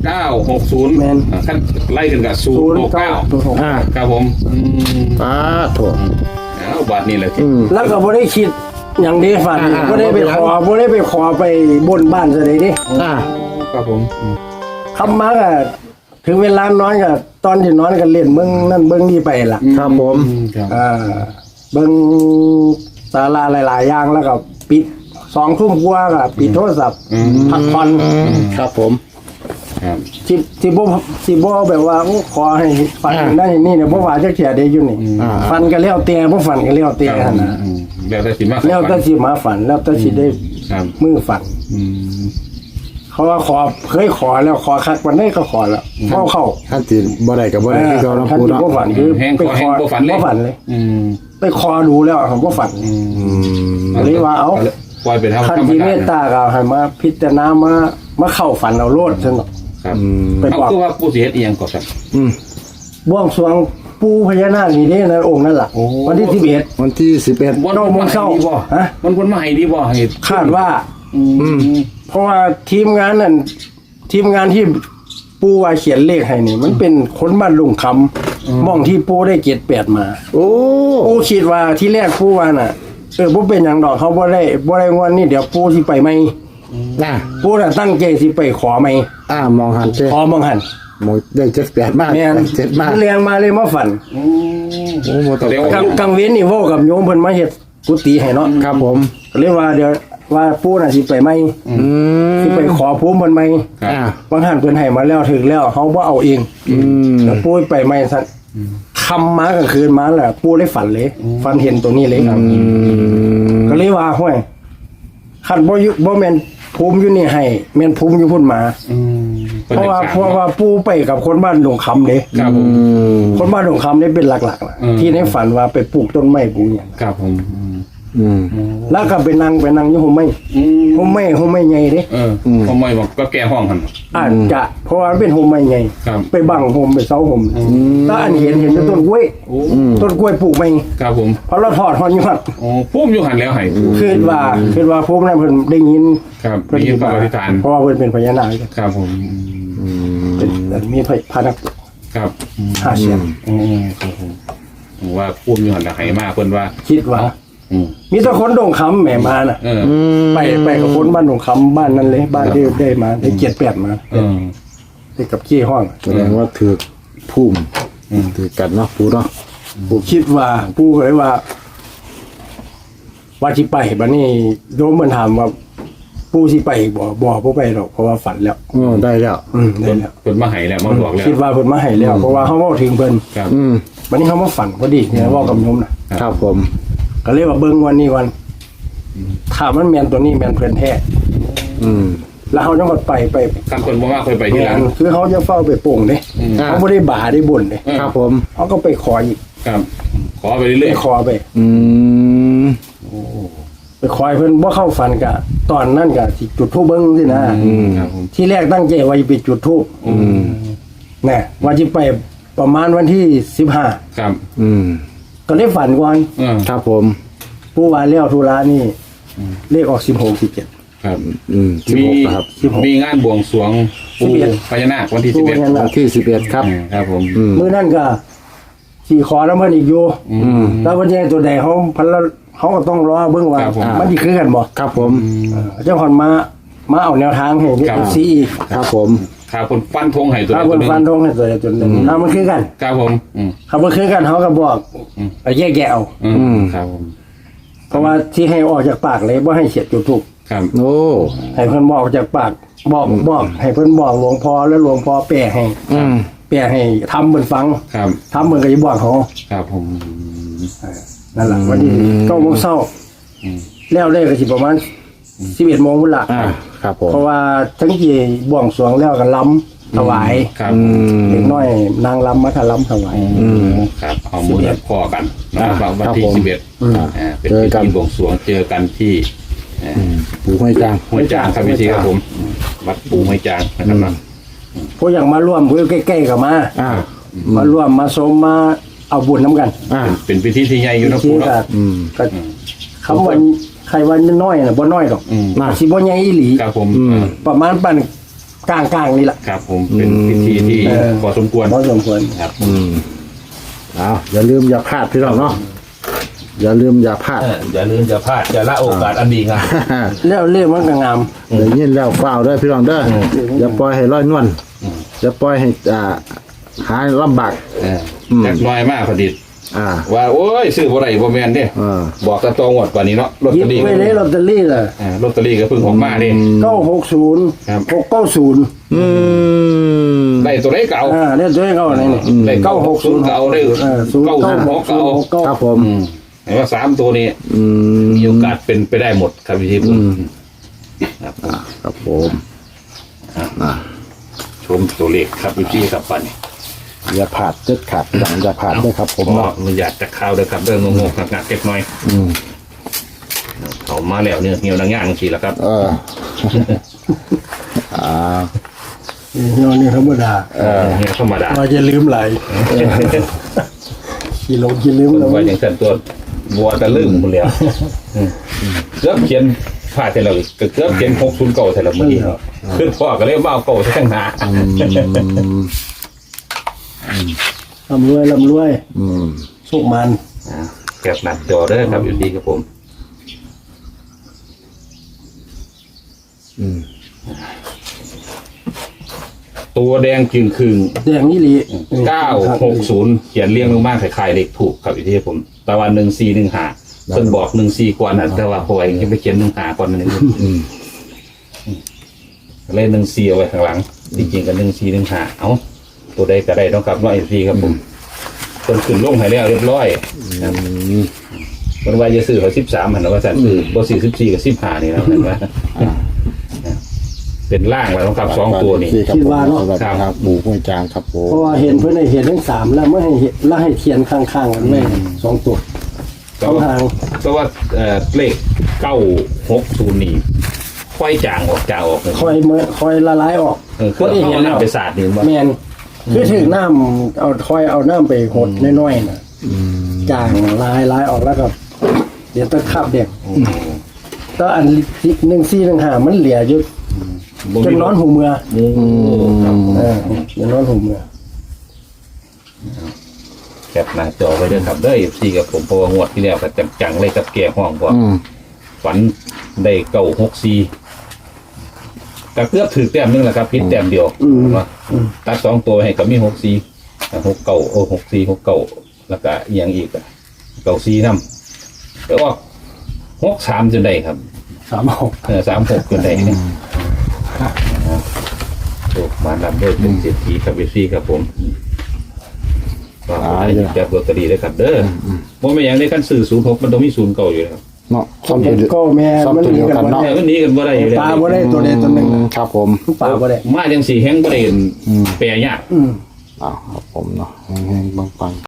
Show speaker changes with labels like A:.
A: 960ขั้นไล่กันกับ069ครับผม
B: ถูก
A: แล้วบาทนี่แหละ
C: แล้วก็บ่ได้คิดอย่างนี้ฝันบ่ได้ไปขอไปบนบ้านซะเลยดิ
A: ครับผม
C: คำมาก็ถึงเวลานอนก็ตอนที่นอนก็เล่นเบิ่งนั่นเบิ่งนี่ไปล่ะ
B: ครับผม
C: เบิ่งสาระหลายๆอย่างแล้วก็ปิด2 ทุ่มกว่าก็ปิดโทรศัพท์พักผ่อน
B: ครับผม
C: สิบ่แบบว่าขอให้ฟันได้นี่เนี่ยบ่ว่าจักเที่ยได้อยู่นี่ฟันก็แล้วแต่บ่ฟันก็แล้วแต่หั่นน่ะ
A: แล้วแต่สิมา
C: แล้วแต่สิมาฝันแล้วแต่สิได้มือฝันเขาว่าขอเคยขอแล้วขอคักวันนี้ก็ขอแล้วเข้า
B: ท่านจีบ่ได้กับบ่ได้ที่เราเนาะพูดเนาะ
C: บ่ฝันคือไปขอบ่ฝันเลยไปขอดูแล้วผมบ่ฝันเลยว่าเอา
A: ปล่อยไปทำ
C: คันที่เมตตาก็ให้มาพิจารณามาเข้าฝันเอาโลดซั่นเนาะ
A: ครับเขาคือว่าปู่สิเฮ็ดอีหยังก่อนครับ
C: บวงสรวงปู่พญานาคนี่เด้นะองค์นั่นล่ะวันที่11
B: วันที่11
A: วันโมงเช้าฮะมันคนมาให้ดีบ่ให้
C: คาดว่าเพราะว่าทีมงานที่ปู่ว่าเขียนเลขให้นี่มันเป็นคนบ้านลุงคำมองที่ปู่ได้78มาปู่คิดว่าที่แรกปู่ว่าน่ะบ่เป็นหยังดอกเขาบ่ได้งอนนี่เดี๋ยวปู่สิไปใหม่ปู่น่ะตั้งใจสิไปขอใหม่
B: มองหัน
C: ขอมองหัน
B: มองได้78มาก
C: 7มากเรียงมาเลยมาฝันกลางเว้นนี่เว้ากับโยมเพิ่นมาเฮ็ดกุฏิให้เนาะ
B: ครับผม
C: ก็เลยว่าเดี๋ยวว่าปู่น่ะสิไปใหม่สิไปขอภูมิเพิ่นใหม่บางท่านเพิ่นให้มาแล้วถึงแล้วเฮาบ่เอาเองแล้วปู่ไปใหม่ซั่นคำมากลางคืนมาแหละปู่ได้ฝันเลยฝันเห็นตัวนี้เลยครับก็เลยว่าห้วยคันบ่แม่นภูมิอยู่นี่ให้แม่นภูมิอยู่พุ่นมาเพราะว่าปู่ไปกับคนบ้านหลวงคำเด้
A: ครับผม
C: คนบ้านหลวงคำนี่เป็นหลักๆที่ในฝันว่าไปปลูกต้นไม้ปลูกหยัง
A: ครับผม
C: แล้วก็ไปนั่งอยู่ห่มไม้ใหญ่เด้
A: ห่มไม้บอกก็แก้ห้องหั่น
C: จะเพราะว่าเป็นห่มไม้ใหญ่ไปบังห่มไปเสาห่มแล้วอันเห็นต้นกล้วยปลูกใหม่
A: ครับผม
C: พอเราถอดฮอดอยู่หั่น
A: พุ่มอยู่หั่นแล้วให้
C: คิดว่าพวกนั้นเพิ่นได้ยิน
A: ครับได้ยินอธิษฐาน
C: เพราะว่าเพิ่นเป็นพญานาค
A: ครับผม
C: เป็นมีพานัก
A: ครับ
C: 5 เสียง
A: ครับผมว่าพุ่มอยู่หั่นให้มาเพิ่นว่า
C: คิดว่ามีแต่คนดงคำแหมมาน่ะไปกับคนบ้านดงคำบ้านนั้นเลยบ้านที่ได้มาได้78มาได้กับขี้ห้อง
B: แสดงว่าถือภูมิถือกันเนาะปู่เนาะ
C: ปู่คิดว่าปู่ก็เลยว่าสิไปบัดนี้โยมมันถามว่าปู่สิไปบ่ไปหรอกเพราะว่าฝันแล้ว
B: ได้แล้ว
C: ได้แล้ว
A: เพิ่นมาให้แล้วมาบอกแล้ว
C: คิดว่าเพิ่นมาให้แล้วเพราะว่าเฮาเว้าถึงเพิ่น
A: ครับ
C: บัดนี้เฮามาฝันพอดีเนี่ยเว้ากับโยมน่ะ
B: ครับผม
C: ก็เลยว่าเบิ่งวันนี้ถ้ามันแม่นตัวนี้แม่นเพิ่นแท้แล้วเฮาจังไป
A: คันคนบ่มาค่อยไปทีหลัง
C: คือเฮาจะเฝ้าไปโป่งเด้เฮาบ่ได้บ่าได้บ่นเด้
B: ครับผม
C: เฮาก็ไปขออีก
A: ครับขอไปเรื่อย
C: ๆขอไปไปขอให้เพิ่นบ่เข้าฝันก็ตอนนั้นก็สิจุดธูปเบิ่งสินะครับผมที่แรกตั้งใจว่าจะไปจุดธูปแน่ว่าสิไปประมาณวันที่15
A: ครับ
C: ก็เลยฝันก่อน
B: ครับผม
C: ปู่ว่าแล้วธุระนี่เลขออก16 17
A: ครับ
B: 16ครับ
A: มีงานบวงสรวงปู่พญานาควันที่11
B: วันที่11ครับ
A: ครับผม
C: มื้อนั้นก็สิขอแล้วมันอีกอยู่แล้ววันนี้ตัวใดเฮาก็ต้องรอเบิ่งว่ามันสิคือกันบ่
B: ครับผม
C: เจ้าคนมาเอาแนวทางให้ FC
B: ครับผม
A: ครับคนฟันธงให้ตัว
C: นึงฟันธงให้ตัวนึงถ้ามันคือกัน
A: ครับผม
C: ถ้ามันคือกันเฮาก็บอกแยกเอา
A: ครับผม
C: เพราะว่าที่ให้ออกจากปากเลยบ่ให้เสียดจุดทูป
A: ครับ
C: ให้เพิ่นบอกจากปากบอกให้เพิ่นบอกหลวงพ่อแล้วหลวงพ่อแปลให้ทำเพิ่นฟัง
A: ครับ
C: ทำเพิ่นก็สิบอกเขา
A: ครับผม
C: นั่นล่ะวันนี้9 โมงเช้าแล้วได้ก็สิประมาณ11 โมงพุ่นล่ะ
B: ครับผม
C: เพราะว่าทั้งที่บวงสรวงแล้วก็ล้ำถวาย
A: ครับ
C: เด็กน้อยนางล้ำมาถล้ำถวาย
A: ครับเอาหมดพอกันนะครับวันที่11เป็นพิธีบวงสรวงเจอกันที่
B: ปู่ห้วยจาง
A: ครับพี่ครับผมวัดปู่ห้วยจางนะครับ
C: พวกอย่างมาร่วมเพื่อใกล้ๆกับมาร่วมมาสมมาเอาบุญน้ำกัน
A: เป็นพิธีที่ใหญ่อยู่นะปู่เนาะ
C: ก็คำวันใครวันน้อยน่ะบ่น้อยหรอกสิบ่ใหญ่อีหลี
A: ครับผม
C: ประมาณปานกลางๆนี่แหละ
A: ครับผมเป็นพิธีที่พอสมควร
C: พอสมควร
A: ครับ
B: เอาอย่าลืมอย่าพลาดพี่น้องเนาะอย่าลืมอย่าพลาด
A: อย่าลืมอย่าพลาดอย่าละโอกาสอันดีงาม
C: แล้วเรียกมันก็งาม
B: ได้ยินแล้วฟ้าวเด้อพี่น้องเด้ออย่าปล่อยให้ลอยนวลอย่าปล่อยให้หาลำบาก
A: จักน้อยมากพอดี ว่าโอ้ยซื้อบ่ได้บ่แม่นเด้ บอกแต่ตัวงวดกว่านี้เนาะลอต
C: หยิ
A: เต
C: บ
A: อรี่
C: ไว้เลยลอตเตอรี่ล่ะ
A: ลอตเตอรี่ก็เพิ่งออกมาเด้
C: 960
A: ครับ
C: 690
A: ได้ตัวได้เก่า
C: เรียกด้วยเขาไหนนี่
A: ได้960เก่าได้966เก่า
B: ครับผม
A: เห็นว่า3ตัวนี้มีโอกาสเป็นไปได้หมดครับพี่ทิพย์ครับ
B: ครับผมอ่า
A: ชมตัวเลขครับพี่ครับปันนี่
B: อย่าพลาดเด็ดขาดพี่น้องอย่าพลาดด้วยครับผม
A: ก็
B: เนาะ
A: มันอยากจะเข้าวเด้อครับเรื่องงงๆงักๆเก็บหน่อยเขามาแล้วเนี่ยเหี่ยวนังย่างบางทีแล้วครับ
C: นี่ธรรมดา
A: เหี่ยวธรรมดา
C: เราจะลืมไหลขี่ลงขี่ลืมแล้ว
A: ว่าอย่างเช่นตัวบัวตะลึงหมดแล้วเกือบเขียนผ่าเสร็จแล้วเกือบเขียน60เก่าเสร็จแล้วเมื่อกี้ขึ้นพ่อก็เลยว่าเอาเก่าซะทั้งหา
C: ลำรวยสุกมัน
A: แก็บหนักจอเด้อครับอยู่ดีครับผมตัวแดงจึงคืง
C: แดงนี่ลี
A: 960เขียนเรียงลงมาคล้ายๆเลขถูกครับอยู่ที่ผมตะวัน1415เพิ่นบอก14ก่อนน่ะแต่ว่าพอไอ้ยังไปเขียน15ก่อนนั่นเองเลข14เอาไว้ข้างหลังจริงๆก็1415เอ้าตัวใดก็ได้ต้องกลับ114ครับผมเพิ่นขึ้นลงให้แล้วเรียบร้อยเพิ่นว่าจะซื้อเขา13หั่นว่าซั่นซื้อบ่ซื้อ14กับ15นี่แล้วเห็นว่าเป็นล่างแล้วต้องกลับ2ตัวนี่
B: คิดว่าเนาะครับหมูห้วยจางครับผม
C: เพราะว่าเห็นเพื่อนให้เห็นทั้ง3แล้วไม่ให้เห็นแล้วให้เทียนข้างๆกันไม่2ตัว
A: ก็ว่าเลข960นี่ค่อยจางออกเลย
C: คอยละลายออก
A: คือเอาน้ำไปสาดนี่ว่า
C: แมนคือถึงน้ำเอาน้ำไปหดน้อยๆน่ะจางลายออกแล้วก็เดี๋ยวต้องขับเด็กก็อัน1415มันเหลืออยู่จนนอนหูเมือจนนอนหูเมือ
A: แคปหน้าจอไว้ด้วยครับเด้อFCกับผมเพราะว่างวดที่แล้วก็จังๆเลยกับแก่ห้องกว่าฝันได้964ก็เกือบถือแต้มนึงแหละครับพิษแต้มเดียวตัด2ตัวให้กับมี64 64แล้วก็อีกอย่างอีก94นำแล้วว่า63จนได้ครับ
C: 36
A: 36จนได้เนี่ยโอ้มาดับด้วยเป็นเศรษฐีครับเอฟซีครับผมก็ให้จับลอตเตอรี่ได้ครับเด้อว่าไม่อย่างในขั้นสื่อ06มันต้องมี0เก่าอยู่แล้ว
B: เนาะ
C: เห็นก็แม่มันหนีกัน
A: แม่มันหนีกันบ่ได้อยู่แล้ว
C: ปลาบ่ได้ตัวใดตัวหนึ่ง
B: ครับผม
C: ปลาบ่ได้
A: มาจังสี่แห้งบ่ได้แปรยาก
B: ครับผมเนาะแห้งๆปังๆ